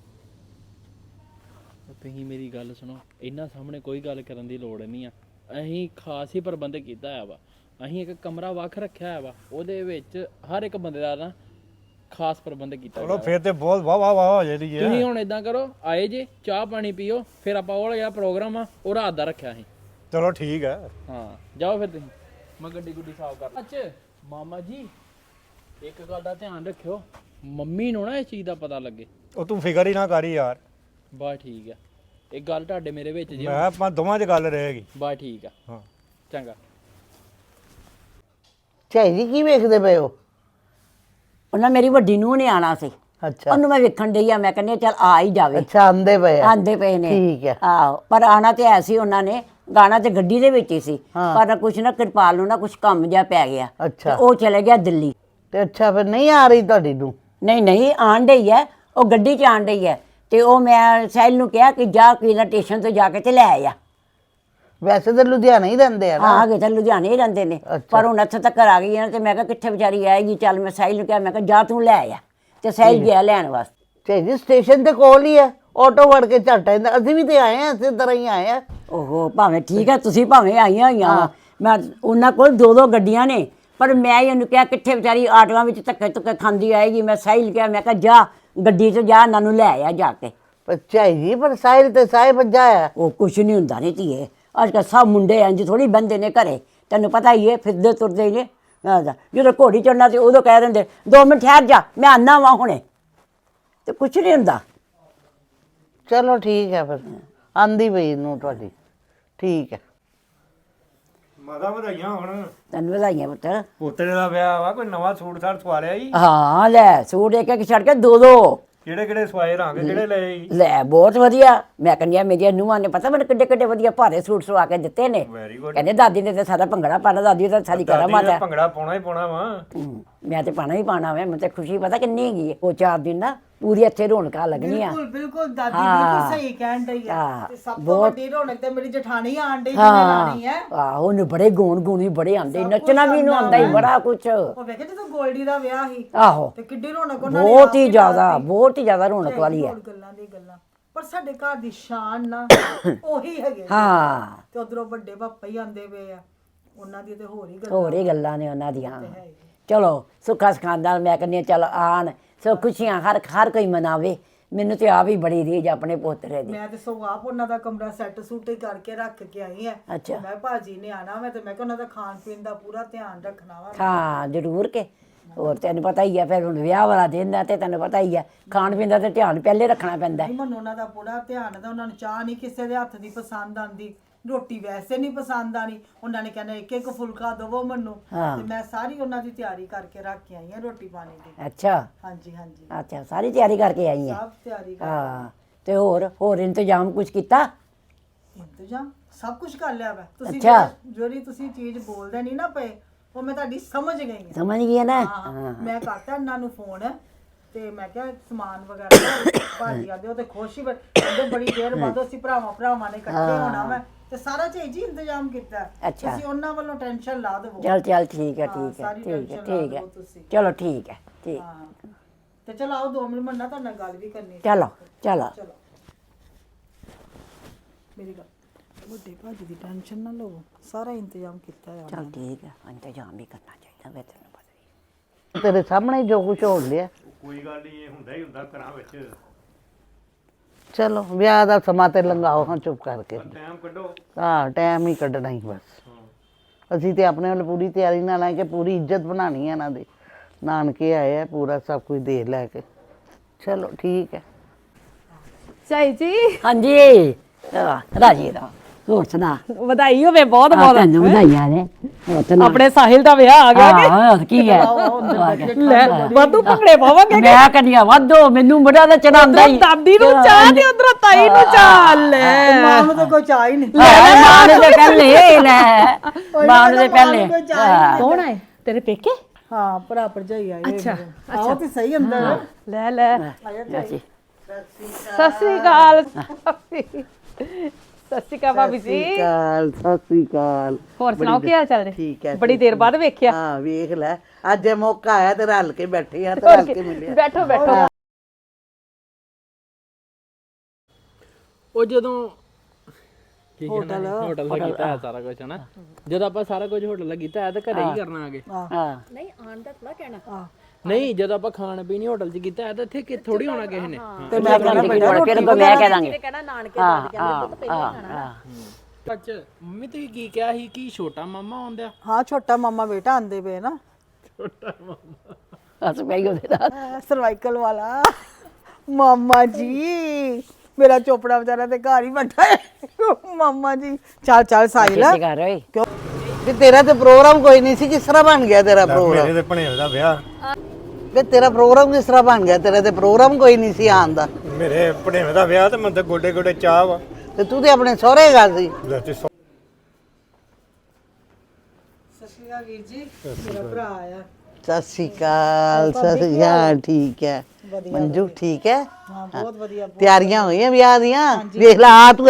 Speaker 3: ਤੁਸੀਂ ਮੇਰੀ ਗੱਲ ਸੁਣੋ ਇਹਨਾਂ ਸਾਹਮਣੇ ਕੋਈ ਗੱਲ ਕਰਨ ਦੀ ਲੋੜ ਨਹੀਂ ਆ ਅਸੀਂ ਖਾਸ ਹੀ ਪ੍ਰਬੰਧ ਕੀਤਾ ਆ ਵਾ ਅਸੀਂ ਇੱਕ ਕਮਰਾ ਵੱਖ ਰੱਖਿਆ ਹੋਇਆ ਵਾ, ਉਹਦੇ ਵਿੱਚ ਹਰ ਇੱਕ ਬੰਦੇ ਦਾ ਨਾ ਖਾਸ ਪ੍ਰਬੰਧ ਕੀਤਾ
Speaker 5: ਚਲੋ
Speaker 3: ਗਿਆ
Speaker 5: ਫਿਰ ਤੇ ਬਹੁਤ ਵਾਹ ਵਾਹ ਵਾਹ ਹੋ ਜਾਂਦੀ ਹੈ।
Speaker 3: ਤੁਸੀਂ ਹੁਣ ਇਦਾਂ ਕਰੋ, ਆਏ ਜੇ ਚਾਹ ਪਾਣੀ ਪੀਓ, ਫਿਰ ਆਪਾਂ ਉਹ ਜਿਹੜਾ ਪ੍ਰੋਗਰਾਮ ਆ ਉਹ ਰਾਤ ਦਾ ਰੱਖਿਆ ਸੀ।
Speaker 5: ਚਲੋ ਠੀਕ ਹੈ।
Speaker 3: ਹਾਂ ਜਾਓ ਫਿਰ ਤੁਸੀਂ, ਮੈਂ ਗੱਡੀ ਗੁੱਡੀ ਸਾਫ਼ ਕਰ। ਅੱਛਾ ਮਾਮਾ ਜੀ ਇੱਕ ਗੱਲ ਦਾ ਧਿਆਨ ਰੱਖਿਓ, ਮੰਮੀ ਨੂੰ ਨਾ ਇਸ ਚੀਜ਼ ਦਾ ਪਤਾ ਲੱਗੇ।
Speaker 5: ਉਹ ਤੂੰ ਫਿਕਰ ਹੀ ਨਾ ਕਰੀ ਯਾਰ,
Speaker 3: ਬਸ ਠੀਕ ਆ, ਇੱਕ ਗੱਲ ਤੁਹਾਡੇ ਮੇਰੇ ਵਿੱਚ ਜੀ,
Speaker 5: ਮੈਂ ਆਪਾਂ ਦੋਵਾਂ 'ਚ ਗੱਲ ਰਹੇਗੀ।
Speaker 3: ਬਸ ਠੀਕ ਆ,
Speaker 5: ਹਾਂ
Speaker 3: ਚੰਗਾ।
Speaker 4: ਝਾਈ ਜੀ ਕੀ ਵੇਖਦੇ ਪਏ ਹੋ?
Speaker 2: ਉਹਨਾਂ ਮੇਰੀ ਵੱਡੀ ਨੂੰਹ ਨੇ ਆਣਾ ਸੀ,
Speaker 4: ਅੱਛਾ
Speaker 2: ਉਹਨੂੰ ਮੈਂ ਵੇਖਣ ਡਈ ਆ, ਮੈਂ ਕਹਿੰਦੀ ਚੱਲ ਆ ਹੀ ਜਾਵੇ।
Speaker 4: ਅੱਛਾ ਆਂਦੇ ਪਏ ਆ।
Speaker 2: ਆਂਦੇ ਪਏ ਨੇ।
Speaker 4: ਠੀਕ ਹੈ।
Speaker 2: ਆਹੋ, ਪਰ ਆਣਾ ਤੇ ਐ ਸੀ ਉਹਨਾਂ ਨੇ, ਗਾਣਾ ਤੇ ਗੱਡੀ ਦੇ ਵਿੱਚ ਹੀ ਸੀ,
Speaker 4: ਹਾਂ।
Speaker 2: ਪਰ ਕੁਛ ਨਾ ਕਿਰਪਾਲ ਨੂੰ ਨਾ ਕੁਛ ਕੰਮ ਜਿਹਾ ਪੈ ਗਿਆ
Speaker 4: ਅੱਛਾ।
Speaker 2: ਤੇ ਉਹ ਚਲੇ ਗਿਆ ਦਿੱਲੀ।
Speaker 4: ਤੇ ਅੱਛਾ ਫਿਰ ਨਹੀਂ ਆ ਰਹੀ ਤੁਹਾਡੀ ਨੂੰ?
Speaker 2: ਨਹੀਂ ਨਹੀਂ ਆਣ ਡਈ ਹੈ, ਉਹ ਗੱਡੀ 'ਚ ਆਣ ਡਈ ਹੈ, ਤੇ ਉਹ ਮੈਂ ਸਾਹਿਲ ਨੂੰ ਕਿਹਾ ਕਿ ਜਾ ਕਿਨਾ ਸਟੇਸ਼ਨ ਤੋਂ ਜਾ ਕੇ ਤੇ ਲੈ ਆ।
Speaker 4: ਵੈਸੇ ਤਾਂ ਲੁਧਿਆਣਾ ਹੀ ਰਹਿੰਦੇ ਆ ਨਾ।
Speaker 2: ਹਾਂ, ਅਗੇ ਤਾਂ ਲੁਧਿਆਣੇ ਹੀ ਰਹਿੰਦੇ ਨੇ, ਪਰ ਹੁਣ ਇੱਥੇ ਤੱਕ ਆ ਗਈ ਹੈ ਨਾ, ਤੇ ਮੈਂ ਕਿਹਾ ਕਿੱਥੇ ਵਿਚਾਰੀ ਆਏਗੀ, ਚੱਲ ਮੈਂ ਸਾਹਿਲ ਨੂੰ ਕਿਹਾ, ਮੈਂ ਕਿਹਾ ਜਾ ਤੂੰ ਲੈ ਆ, ਤੇ ਸਾਹਿਲ ਗਿਆ ਲੈਣ ਵਾਸਤੇ।
Speaker 4: ਝਾਈ ਜੀ ਸਟੇਸ਼ਨ ਤੇ ਕੋਲ ਹੀ ਹੈ, ਆਟੋ ਵੜ ਕੇ ਝੱਟ ਆਉਂਦਾ। ਅਸੀਂ ਵੀ ਤੇ ਆਏ ਆ, ਇਸੇ ਤਰ੍ਹਾਂ ਹੀ ਆਏ ਆ।
Speaker 2: ਓਹੋ ਭਾਵੇਂ ਠੀਕ ਹੈ, ਤੁਸੀਂ ਭਾਵੇਂ ਆਈਆਂ ਹੋਈਆਂ ਵਾ, ਮੈਂ ਉਹਨਾਂ ਕੋਲ ਦੋ ਦੋ ਗੱਡੀਆਂ ਨੇ, ਪਰ ਮੈਂ ਹੀ ਉਹਨੂੰ ਕਿਹਾ ਕਿੱਥੇ ਵਿਚਾਰੀ ਆਟੋਆਂ ਵਿੱਚ ਧੱਕੇ ਧੁੱਕੇ ਖਾਂਦੀ ਆਏਗੀ। ਮੈਂ ਸਾਹਿਲ ਕਿਹਾ, ਮੈਂ ਕਿਹਾ ਜਾ ਗੱਡੀ 'ਚ ਜਾ, ਇਹਨਾਂ ਨੂੰ ਲੈ ਆ ਜਾ ਕੇ।
Speaker 4: ਪਰ ਝਾਈ ਜੀ ਪਰ ਸਾਹਿਲ ਤੇ ਸਾਹਿਬ ਭੱਜਾ ਆ।
Speaker 2: ਉਹ ਕੁਛ ਨਹੀਂ ਹੁੰਦਾ ਨਹੀਂ ਧੀਏ, ਅੱਜ ਕੱਲ੍ਹ ਸਭ ਮੁੰਡੇ ਇੰਝ ਥੋੜ੍ਹੀ ਬੰਦੇ ਨੇ ਘਰੇ, ਤੈਨੂੰ ਪਤਾ ਹੀ ਹੈ, ਫਿਰਦੇ ਤੁਰਦੇ ਹੀ ਨੇ। ਆਹ ਜਾ, ਜਦੋਂ ਘੋੜੀ ਚੜਨਾ ਤੇ ਉਦੋਂ ਕਹਿ ਦਿੰਦੇ ਦੋ ਮਿੰਟ ਠਹਿਰ ਜਾ, ਮੈਂ ਆਨਾ ਵਾਂ ਹੁਣੇ, ਤੇ ਕੁਛ ਨਹੀਂ ਹੁੰਦਾ।
Speaker 4: ਚਲੋ ਠੀਕ ਹੈ ਫਿਰ, ਆਂਦੀ ਪਈ ਨੂੰ ਤੁਹਾਡੀ। ਠੀਕ ਹੈ।
Speaker 5: ਮਾਤਾ ਵਧਾਈਆਂ ਹੁਣ,
Speaker 2: ਤੈਨੂੰ ਵਧਾਈਆਂ ਪੁੱਤਰ।
Speaker 5: ਪੋਤਰੇ ਦਾ ਵਿਆਹ ਵਾ, ਕੋਈ ਨਵਾਂ ਸੂਟ ਸਾਟ ਸਵਾ ਲਿਆ ਜੀ?
Speaker 2: ਹਾਂ ਲੈ, ਸੂਟ ਇੱਕ ਇੱਕ ਛੱਡ ਕੇ ਦੋ ਦੋ।
Speaker 5: ਕਿਹੜੇ ਕਿਹੜੇ ਸਵਾਏ ਰੰਗ ਕਿਹੜੇ ਲਏ ਜੀ?
Speaker 2: ਲੈ ਬਹੁਤ ਵਧੀਆ, ਮੈਂ ਕਹਿੰਦੀ ਆ ਮੇਰੀਆਂ ਨੂੰਹਾਂ ਨੇ ਪਤਾ ਮੈਨੂੰ ਕਿੱਡੇ ਕਿੱਡੇ ਵਧੀਆ ਭਾਰੇ ਸੂਟ ਸਵਾ ਕੇ ਦਿੱਤੇ ਨੇ।
Speaker 5: Very good.
Speaker 2: ਕਹਿੰਦੇ ਦਾਦੀ ਨੇ ਤੇ ਸਾਰਾ ਭੰਗੜਾ ਪਾਣਾ, ਦਾਦੀ ਤਾਂ ਸਾਰੀ ਕਰਾ ਮਾਤਾ।
Speaker 5: ਭੰਗੜਾ ਪਾਉਣਾ ਹੀ ਪਾਉਣਾ ਵਾ।
Speaker 2: ਹੂੰ, ਮੈਂ ਤੇ ਪਾਣਾ ਹੀ ਪਾਣਾ ਵਾ, ਮੈਨੂੰ ਤੇ ਖੁਸ਼ੀ ਪਤਾ ਕਿੰਨੀ ਹੈਗੀ ਹੈ। ਉਹ ਚਾਰ ਦਿਨ ਨਾ ਪੂਰੀ ਇੱਥੇ ਰੌਣਕਾਂ ਲੱਗਣੀਆਂ।
Speaker 1: ਬਿਲਕੁਲ ਬਿਲकुल ਦਾਦੀ
Speaker 2: ਹਾਂ।
Speaker 1: ਬਿਲਕੁਲ ਸਹੀ ਕਹਿਣ ਡਈ ਆ।
Speaker 2: ਹਾਂ,
Speaker 1: ਤੇ ਸਭ ਤੋਂ
Speaker 2: ਬਹੁਤ-
Speaker 1: ਵੱਡੀ ਰੌਣਕ ਤੇ ਮੇਰੀ ਜਠਾਣੀ ਆਣ ਡਈ ਜਿਹਨੇ ਲਾਣੀ ਹੈ।
Speaker 2: ਹਾਂ ਆਹੋ, ਉਹਨੂੰ ਬੜੇ ਗਾਉਣ ਗੂਣ ਵੀ ਬੜੇ ਆਉਂਦੇ,
Speaker 1: ਸਭ
Speaker 2: ਨੱਚਣਾ
Speaker 1: ਕੁਛ
Speaker 2: ਵੀ ਇਹਨੂੰ
Speaker 1: ਆਉਂਦਾ
Speaker 2: ਆਉਂਦਾ ਹੀ ਬੜਾ ਕੁਛ।
Speaker 1: ਉਹ ਵੇਖੇ ਜਦੋਂ ਗੋਲਡੀ ਦਾ ਵਿਆਹ ਸੀ,
Speaker 2: ਆਹੋ
Speaker 1: ਤੇ ਕਿੱਡੀ ਰੌਣਕ ਉਹਨਾਂ ਨੇ
Speaker 2: ਬਹੁਤ
Speaker 1: ਆਪ
Speaker 2: ਹੀ
Speaker 1: ਹੀ
Speaker 2: ਜ਼ਿਆਦਾ,
Speaker 1: ਲਾਤੀ।
Speaker 2: ਬਹੁਤ ਹੀ ਜ਼ਿਆਦਾ ਰੌਣਕ ਵਾਲੀ ਹੈ।
Speaker 1: ਹੋਰ ਗੱਲਾਂ ਦੀ ਗੱਲਾਂ, ਪਰ ਸਾਡੇ ਘਰ ਦੀ ਸ਼ਾਨ ਨਾ ਉਹੀ ਹੈਗੇ।
Speaker 2: ਹਾਂ,
Speaker 1: ਤੇ ਉਧਰੋਂ ਵੱਡੇ ਪਾਪਾ ਹੀ ਆਂਦੇ ਪਏ ਆ, ਉਹਨਾਂ ਦੀ ਤੇ ਹੋਰ ਹੀ ਗੱਲਾਂ।
Speaker 2: ਹੋਰ ਹੀ ਗੱਲਾਂ ਨੇ ਉਹਨਾਂ ਦੀਆਂ। ਚਲੋ ਸੁੱਖਾ ਸਖਾਂਦਾ, ਮੈਂ ਕਹਿੰਦੀ ਹਾਂ ਚੱਲ ਆਣ, ਸੋ ਖੁਸ਼ੀਆਂ ਹਰ ਹਰ ਕੋਈ ਮਨਾਵੇ। ਮੈਨੂੰ ਤੇ ਆ ਵੀ ਬੜੀ ਰੀਝ ਆਪਣੇ ਪੋਤਰੇ ਦੀ।
Speaker 1: ਮੈਂ ਤੇ ਸੋ ਆਪ ਉਹਨਾਂ ਦਾ ਕਮਰਾ ਸੈੱਟ ਸੂਟ ਹੀ ਕਰਕੇ ਰੱਖ ਕੇ ਆਈ ਆ।
Speaker 2: ਅੱਛਾ।
Speaker 1: ਮੈਂ ਭਾਜੀ ਨੇ ਆਣਾ, ਮੈਂ ਤੇ ਮੈਂ ਕਿਹਾ ਉਹਨਾਂ ਦਾ ਖਾਣ ਪੀਣ ਦਾ ਪੂਰਾ ਧਿਆਨ ਰੱਖਣਾ ਵਾ।
Speaker 2: ਹਾਂ ਜ਼ਰੂਰ ਕੇ, ਹੋਰ ਤੈਨੂੰ ਪਤਾ ਹੀ ਹੈ, ਫਿਰ ਹੁਣ ਵਿਆਹ ਵਾਲਾ ਦਿਨ ਹੈ ਤੇ ਤੈਨੂੰ ਪਤਾ ਹੀ ਹੈ, ਖਾਣ ਪੀਣ ਦਾ ਤੇ ਧਿਆਨ ਪਹਿਲੇ ਰੱਖਣਾ ਪੈਂਦਾ ਹੈ।
Speaker 1: ਨਹੀਂ ਮੈਨੂੰ ਉਹਨਾਂ ਦਾ ਪੂਰਾ ਧਿਆਨ ਹੈ, ਉਹਨਾਂ ਨੂੰ ਚਾਹ ਨਹੀਂ ਕਿਸੇ ਦੇ ਹੱਥ ਦੀ ਪਸੰਦ ਆਂਦੀ, ਰੋਟੀ ਵੈਸੇ ਨਹੀਂ ਪਸੰਦ ਆਣੀ, ਉਹਨਾਂ ਨੇ ਕਹਿਣਾ ਇੱਕ ਇੱਕ ਫੁਲਕਾ ਦਵੋ ਮੈਨੂੰ।
Speaker 2: ਹਾਂ।
Speaker 1: ਤੇ ਮੈਂ ਸਾਰੀ ਉਹਨਾਂ ਦੀ ਤਿਆਰੀ ਕਰਕੇ ਰੱਖ ਕੇ ਆਈ ਆ ਰੋਟੀ ਪਾਣੀ ਦੀ।
Speaker 2: ਅੱਛਾ
Speaker 1: ਹਾਂਜੀ ਹਾਂਜੀ,
Speaker 2: ਅੱਛਾ, ਸਾਰੀ ਤਿਆਰੀ ਕਰਕੇ ਆਈ ਹੈ।
Speaker 1: ਸਭ ਤਿਆਰੀ ਕਰ
Speaker 2: ਹਾਂ, ਤੇ ਹੋਰ ਹੋਰ ਇੰਤਜ਼ਾਮ ਕੁਝ ਕੀਤਾ?
Speaker 1: ਇੰਤਜ਼ਾਮ ਸਭ ਕੁਝ ਕਰ ਲਿਆ ਵਾ। ਤੁਸੀਂ
Speaker 2: ਅੱਛਾ।
Speaker 1: ਜਿਹੜੀ- ਜਿਹੜੀ ਤੁਸੀਂ ਚੀਜ਼ ਬੋਲਦੇ ਨਹੀਂ ਨਾ ਪਏ, ਉਹ ਮੈਂ ਤੁਹਾਡੀ ਸਮਝ ਗਈ ਹਾਂ।
Speaker 2: ਸਮਝ ਗਈ ਨਾ?
Speaker 1: ਹਾਂ, ਮੈਂ ਕਰਤਾ ਇਹਨਾਂ ਨੂੰ ਫੋਨ, ਤੇ ਮੈਂ ਕਿਹਾ ਸਮਾਨ ਵਗੈਰਾ ਭਾਜੀ ਆਦੇ, ਉਹ ਤੇ ਖੁਸ਼ ਹੀ ਬੜੇ- ਕਹਿੰਦੇ ਬੜੀ ਦੇਰ ਬਾਅਦ ਅਸੀਂ ਭਰਾਵਾਂ ਭਰਾਵਾਂ ਨੇ ਇਕੱਠੇ ਹੋਣਾ ਵਾ, ਤੇ ਸਾਰਾ ਚੀਜ਼ ਹੀ ਇੰਤਜ਼ਾਮ ਕੀਤਾ।
Speaker 2: ਅੱਛਾ।
Speaker 1: ਤੁਸੀਂ ਉਹਨਾਂ ਵੱਲੋਂ ਟੈਨਸ਼ਨ ਲਾ ਦੇਵੋ।
Speaker 2: ਚਲ ਚਲ ਠੀਕ ਹੈ,
Speaker 1: ਹਾਂ,
Speaker 2: ਠੀਕ ਹੈ,
Speaker 1: ਸਾਰੀ
Speaker 2: ਠੀਕ ਹੈ,
Speaker 1: tension ਲਾ
Speaker 2: ਠੀਕ ਹੈ,
Speaker 1: ਦਿਓ ਤੁਸੀਂ।
Speaker 2: ਚਲੋ ਠੀਕ ਹੈ, ਠੀਕ।
Speaker 1: ਹਾਂ, ਤੇ ਚਲ ਆਓ ਦੋ ਮਿੰਟ ਮੰਨਾ ਤੁਹਾਡੇ ਨਾਲ ਗੱਲ ਵੀ ਕਰਨੀ ਹੈ।
Speaker 2: ਚਲੋ ਚਲੋ
Speaker 1: ਚਲੋ ਮੇਰੀ ਗੱਲ, ਵੱਡੇ ਭਾਜੀ ਦੀ ਟੈਨਸ਼ਨ ਨਾ ਲਓ, ਸਾਰਾ ਇੰਤਜ਼ਾਮ ਕੀਤਾ ਹੈ।
Speaker 2: ਚਲ ਠੀਕ ਹੈ, ਇੰਤਜ਼ਾਮ ਵੀ ਕਰਨਾ ਚਾਹੀਦਾ ਵੇ, ਤੈਨੂੰ ਪਤਾ ਹੀ ਹੈ।
Speaker 4: ਤੇਰੇ ਸਾਹਮਣੇ ਜੋ ਕੁਝ ਹੋ ਲਿਆ।
Speaker 5: ਕੋਈ ਗੱਲ ਨਹੀਂ, ਇਹ ਹੁੰਦਾ ਹੀ ਹੁੰਦਾ ਘਰਾਂ ਵਿੱਚ।
Speaker 4: ਚਲੋ ਵਿਆਹ ਦਾ ਸਮਾਂ ਤੇ ਲੰਘਾਓ ਹਾਂ ਚੁੱਪ ਕਰਕੇ।
Speaker 5: ਟਾਈਮ ਕੱਢੋ।
Speaker 4: ਹਾਂ ਟਾਈਮ ਹੀ ਕੱਢਣਾ ਹੀ ਬਸ। ਅਸੀਂ ਤੇ ਆਪਣੇ ਵੱਲ ਪੂਰੀ ਤਿਆਰੀ ਨਾਲ ਆਏ ਕਿ ਪੂਰੀ ਇੱਜ਼ਤ ਬਣਾਉਣੀ ਹੈ ਇਹਨਾਂ ਦੀ। ਨਾਨਕੇ ਆਏ ਆ, ਪੂਰਾ ਸਭ ਕੁਝ ਦੇ ਲੈ ਕੇ। ਚਲੋ ਠੀਕ ਹੈ।
Speaker 6: ਚਾਈ ਜੀ
Speaker 2: ਹਾਂਜੀ ਆਹ, ਰਾਜੀ ਦਾ ਹੋਰ ਸੁਣਾ?
Speaker 6: ਵਧਾਈ ਹੋਵੇ ਬਹੁਤ
Speaker 2: ਆਹ,
Speaker 6: ਬਹੁਤ।
Speaker 2: ਤੈਨੂੰ ਵਧਾਈਆਂ ਨੇ। ਹੋਰ ਸੁਣਾ?
Speaker 6: ਆਪਣੇ ਸਾਹਿਲ ਦਾ ਵਿਆਹ ਆ ਗਿਆ ਕਿ
Speaker 2: ਹਾਂ, ਕੀ ਹੈ?
Speaker 6: ਲੈ ਵਾਧੂ ਭੰਗੜੇ ਪਾਵਾਂਗੇ।
Speaker 2: ਮੈਂ ਕਹਿੰਦੀ ਵਾਧੋ, ਮੈਨੂੰ ਬੜਾ ਦਾ ਚੜਾਉਂਦਾ ਹੀ।
Speaker 6: ਦਾਦੀ ਨੂੰ ਚਾਹ ਤੇ ਉਧਰੋਂ ਤਾਈ ਨੂੰ ਚਾਹ। ਲੈ
Speaker 1: ਮਾਂ ਨੂੰ ਤਾਂ ਕੋਈ ਚਾਹ ਹੀ ਨਹੀਂ।
Speaker 2: ਮਾਂ ਨੂੰ ਤੇ ਪਹਿਲੇ ਲੈ, ਮਾਂ ਨੂੰ ਤੇ ਪਹਿਲੇ। ਹਾਂ।
Speaker 6: ਕੌਣ ਆਏ ਤੇਰੇ ਪੇਕੇ?
Speaker 1: ਹਾਂ, ਭਰਾ ਭਰਜਾਈ ਆਏ ਹੋਏ
Speaker 6: ਅੱਛਾ,
Speaker 1: ਨੇ। ਆਓ ਤੇ ਸਹੀ ਅੰਦਰ।
Speaker 6: ਲੈ ਲੈ
Speaker 2: ਚਾਚੀ।
Speaker 6: ਸਤਿ ਸ੍ਰੀ ਅਕਾਲ। ਸਤਿ ਸ੍ਰੀ ਅਕਾਲ ਭਾਬੀ ਜੀ।
Speaker 4: ਸਤਿ ਸ਼੍ਰੀ ਅਕਾਲ, ਸਤਿ ਸ਼੍ਰੀ ਅਕਾਲ।
Speaker 6: ਹੋਰ ਸੁਣਾਓ ਕੀ ਹਾਲ ਚਾਲ ਨੇ?
Speaker 4: ਠੀਕ ਹੈ।
Speaker 6: ਬੜੀ ਦੇਰ ਬਾਅਦ ਵੇਖਿਆ।
Speaker 4: ਹਾਂ ਵੇਖ ਲੈ, ਅੱਜ ਇਹ ਮੌਕਾ ਆਇਆ ਤੇ ਰਲ ਕੇ ਬੈਠੇ ਆ, ਤੇ ਰਲ ਕੇ ਮਿਲਿਆ।
Speaker 6: ਬੈਠੋ ਬੈਠੋ।
Speaker 3: ਉਹ ਜਦੋਂ ਠੀਕ ਹੈ ਨਾ ਹੋਟਲ ਦਾ ਕੀਤਾ ਹੈ ਸਾਰਾ ਕੁਝ ਹਨਾ ਜਦੋਂ ਆਪਾਂ ਸਾਰਾ ਕੁਝ ਹੋਟਲ ਦਾ ਕੀਤਾ ਹੈ ਤਾਂ ਘਰੇ ਹੀ ਕਰਨਾ ਆਗੇ
Speaker 2: ਹਾਂ
Speaker 3: ਨਹੀਂ ਜਦੋਂ ਆਪਾਂ ਖਾਣ ਪੀਣੀ ਹੋਟਲ 'ਚ ਕੀਤਾ ਹੈ ਤਾਂ ਇੱਥੇ ਕਿ ਥੋੜੀ ਹੋਣਾ ਕਿਸੇ ਨੇ
Speaker 1: ਤੇ ਮੈਂ ਕਹਿੰਦਾ ਬੇਟਾ
Speaker 2: ਫਿਰ ਅੱਗੋਂ ਮੈਂ ਕਹਿ ਦਾਂਗੇ
Speaker 6: ਹਾਂ
Speaker 3: ਅੱਛਾ ਮੰਮੀ ਤੁਸੀਂ ਕੀ ਕਿਹਾ ਸੀ ਕਿ ਛੋਟਾ ਮਾਮਾ ਆਉਂਦਾ
Speaker 1: ਹਾਂ ਛੋਟਾ ਮਾਮਾ ਬੇਟਾ ਆਂਦੇ ਪਏ ਨਾ
Speaker 2: ਹੱਸ ਪਈ ਉਹਦੇ ਨਾਲ
Speaker 1: ਸਰਵਾਈਕਲ ਵਾਲਾ ਮਾਮਾ ਜੀ ਮੇਰਾ ਚੋਪੜਾ ਵਿਚਾਰਾ ਤੇ ਘਰ ਹੀ ਬੈਠਾ ਹੈ ਮਾਮਾ ਜੀ ਚੱਲ ਚੱਲ ਸਾਹਿਲ
Speaker 2: ਕੀ ਕਰ ਓਏ
Speaker 4: ਕਿ ਤੇਰਾ ਤੇ ਪ੍ਰੋਗਰਾਮ ਕੋਈ ਨਹੀਂ ਸੀ, ਕਿਸ ਤਰ੍ਹਾਂ ਬਣ ਗਿਆ ਤੇਰਾ ਪ੍ਰੋਗਰਾਮ?
Speaker 5: ਮੇਰੇ ਤੇ ਭਣੇਵੇਂ ਦਾ ਵਿਆਹ
Speaker 4: ਕਿ ਤੇਰਾ ਪ੍ਰੋਗਰਾਮ ਕਿਸ ਤਰ੍ਹਾਂ ਬਣ ਗਿਆ? ਤੇਰਾ ਤੇ ਪ੍ਰੋਗਰਾਮ ਕੋਈ ਨਹੀਂ ਸੀ ਆਉਣ ਦਾ।
Speaker 5: ਮੇਰੇ ਭਣੇਵੇਂ ਦਾ ਵਿਆਹ ਤੇ ਮੈਂ ਤਾਂ ਗੋਡੇ ਗੋਡੇ ਚਾਹ ਵਾ
Speaker 4: ਤੇ ਤੂੰ ਤੇ ਆਪਣੇ ਸਹੁਰੇ ਗਿਆ ਸੀ।
Speaker 5: ਲੈ ਤੇ ਸੌ-
Speaker 1: ਸਸਿਆ ਵੀਰ ਜੀ ਮੇਰਾ ਭਰਾ ਆਇਆ
Speaker 4: ਸਤਿ ਸ਼੍ਰੀ ਅਕਾਲ। ਸਤਿ ਸ਼੍ਰੀ ਅਕਾਲ। ਠੀਕ ਹੈ ਮੰਜੂ? ਠੀਕ ਹੈ।
Speaker 1: ਹਾਂ ਬਹੁਤ ਵਧੀਆ
Speaker 4: ਤਿਆਰੀਆਂ ਹੋਈਆਂ ਵਿਆਹ ਦੀਆਂ? ਵੇਖ ਲਾ ਆ ਤੂੰ